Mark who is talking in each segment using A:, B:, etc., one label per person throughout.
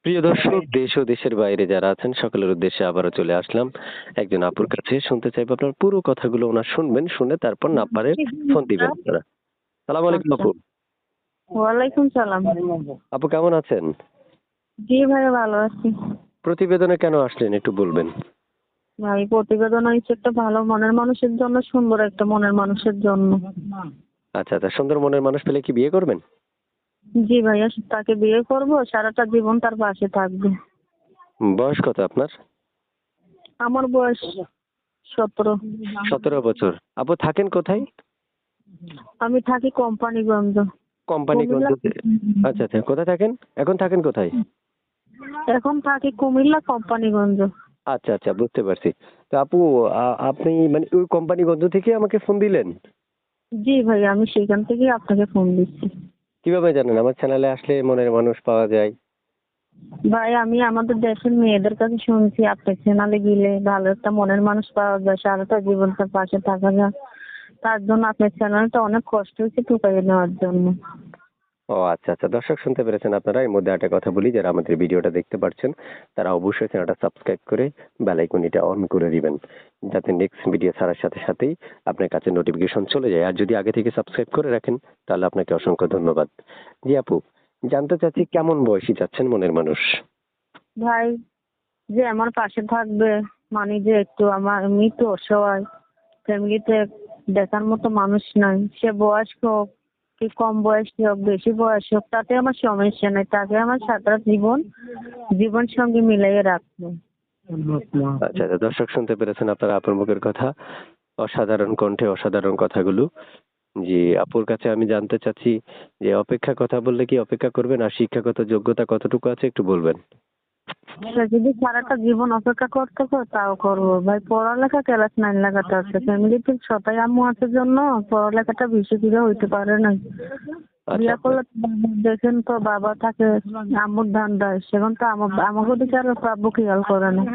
A: প্রিয় দর্শক, দেশ ও দেশের বাইরে যারা আছেন সকলের উদ্দেশ্যে আবারও চলে আসলাম একজন আপুর কাছে। শুনতে চাইবো আপনার পুরো কথাগুলো ওনার শুনবেন, শুনে তারপর নাম্বারে ফোন দিবেন আপনারা। সালাম আলাইকুম
B: আচ্ছা।
A: আপু।
B: ওয়ালাইকুম সালাম।
A: আপু কেমন আছেন?
B: জি ভাই, ভালো আছি।
A: প্রতিবেদনে কেন আসলেন একটু বলবেন?
B: ভাই, প্রতিবেদন হয়েছে একটা ভালো মনের মানুষের জন্য, সুন্দর একটা মনের মানুষের জন্য।
A: আচ্ছা আচ্ছা, সুন্দর মনের মানুষ পেলে কি বিয়ে করবেন?
B: জি ভাইয়া, তাকে বিয়ে করব, সারাটা জীবন তার পাশে থাকবে।
A: বয়স কত আপনার?
B: আমার বয়স 17।
A: 17 বছর। আপু থাকেন কোথায়?
B: আমি থাকি কোম্পানিগঞ্জ, কুমিল্লা।
A: কোম্পানিগঞ্জতে। আচ্ছা আচ্ছা, কোথায় থাকেন? এখন থাকেন কোথায়?
B: এখন থাকি কুমিল্লা কোম্পানিগঞ্জ।
A: আচ্ছা আচ্ছা, বুঝতে পারছি। তো আপু, আপনি মানে ওই কোম্পানিগঞ্জ থেকে আমাকে ফোন দিলেন?
B: জি ভাইয়া, আমি সেখান থেকেই আপনাকে ফোন দিচ্ছি।
A: কিভাবে জানেন আমার চ্যানেলে আসলে মনের মানুষ পাওয়া যায়?
B: ভাই, আমি আমাদের দেশের মেয়েদের কাছে শুনছি আপনার চ্যানেলে গেলে ভালো একটা মনের মানুষ পাওয়া যায়, সারাটা জীবন তার পাশে থাকা যায়। তার জন্য আপনার চ্যানেলটা অনেক কষ্ট হয়েছে টুকাইয়ে নেওয়ার জন্য।
A: ও আচ্ছা আচ্ছা, দর্শক শুনতে পেরেছেন আপনারা। এর মধ্যে একটা কথা বলি, যারা আমাদের ভিডিওটা দেখতে পাচ্ছেন তারা অবশ্যই চ্যানেলটা সাবস্ক্রাইব করে বেল আইকনটা অন করে দিবেন, যাতে নেক্সট ভিডিও ছাড়ার সাথে সাথেই আপনার কাছে নোটিফিকেশন চলে যায়। আর যদি আগে থেকে সাবস্ক্রাইব করে রাখেন তাহলে আপনাকে অসংখ্য ধন্যবাদ। জি আপু, জানতে চাচ্ছি কেমন বয়সী চাচ্ছেন মনের মানুষ?
B: ভাই, যে আমার পাশে থাকবে, মানে যে একটু আমার এমনি তো অসহায়, ফ্যামিলিতে দেখার মতো মানুষ নাই, সে বয়স্ক হোক কি কম বয়সী হোক বেশি বয়স হোক তাতে আমার সমস্যা নেই, তাকে আমার সারা জীবন সঙ্গে মিলাইয়ে রাখবো।
A: আচ্ছা আচ্ছা, দর্শক শুনতে পেরেছেন আপনারা আপুর মুখের কথা। অসাধারণ কণ্ঠে অসাধারণ কথাগুলো। জি, আপুর কাছে আমি জানতে চাচ্ছি যে অপেক্ষার কথা বললে কি অপেক্ষা করবেন? আর শিক্ষাগত যোগ্যতা কতটুকু আছে একটু বলবেন?
B: সে যদি সারাটা জীবন অপেক্ষা করতে হয় তাও করবো ভাই। পড়ালেখা ক্লাস 9 লেখাটা আছে, ফ্যামিলিতে সবাই আম্মু আছে জন্য পড়ালেখাটা বেশি করে হইতে পারে না।
A: আচ্ছা
B: বিয়া
A: আচ্ছা।
B: করলে তো দেখেন তো বাবা থাকে, আম্মুর ধান দেয়, সেখান তো আমাকে দিকে আর আব্বু খেয়াল করে না।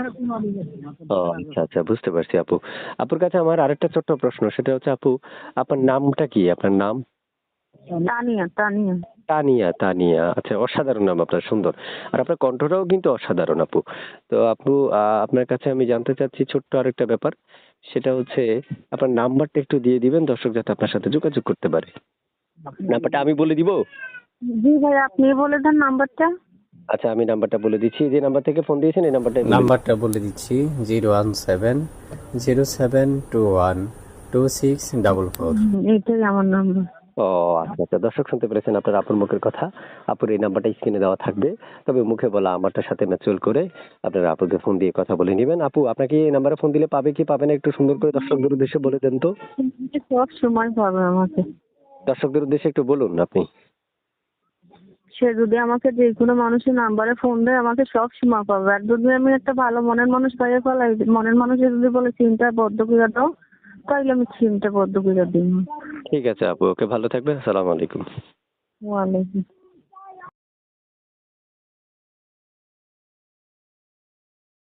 A: ও আচ্ছা আচ্ছা, বুঝতে পারছি আপু। আপুর কাছে আমার আরেকটা ছোট্ট প্রশ্ন, সেটা হচ্ছে আপু, আপনার নামটা কি? আপনার নাম?
B: তানিয়া, তানিয়া।
A: তানিয়া, তানিয়া। আচ্ছা, অসাধারণ নাম আপনার, সুন্দর। আর আপনার কণ্ঠটাও কিন্তু অসাধারণ আপু। তো আপু, আপনার কাছে আমি জানতে চাচ্ছি ছোট্ট আরেকটা ব্যাপার। সেটা হচ্ছে আপনার নাম্বারটা একটু দিয়ে দিবেন, দর্শক যাতে আপনার সাথে যোগাযোগ করতে পারে। নাম্বারটা আমি বলে দিব?
B: জি ভাই, আপনি বলে দেন নাম্বারটা।
A: আচ্ছা, আমি নাম্বারটা বলে দিচ্ছি। যে নাম্বার থেকে ফোন দিয়েছেন এই নাম্বারটাই বলে দিচ্ছি।
C: নাম্বারটা বলে দিচ্ছি 01707212644।
B: এইটাই আমার নাম্বার।
A: ও আচ্ছা আচ্ছা, দর্শক শুনতে পেরেছেন আপনার আপুর মুখের কথা। আপুর এই নাম্বারটা স্ক্রিনে দেওয়া থাকবে। তবে মুখে বলা আমারটার সাথে ম্যাচুয়াল করে আপনারা আপুকে ফোন দিয়ে কথা বলে নেবেন। আপু, আপনাকে এই নাম্বারে ফোন দিলে পাবে কি পাবে না একটু সুন্দর করে দর্শকদের উদ্দেশ্যে বলে দেন তো।
B: সব সময় পাবে আমাকে।
A: দর্শকদের উদ্দেশ্যে একটু বলুন আপনি।
B: সে যদি আমাকে যে কোনো মানুষের নাম্বারে ফোন দেয় আমাকে সব সময় পাবে। আর যদি আমি একটা ভালো মনের মানুষ পাইয়ে ফেলাই, মনের মানুষে যদি বলে চিন্তা বদ্ধ করে দাও, তাইলে আমি চিন্তা বদ্ধ করে দিব।
A: ঠিক আছে আপু, ওকে, ভালো থাকবেন। আসসালামু আলাইকুম।
B: ওয়ালাইকুম।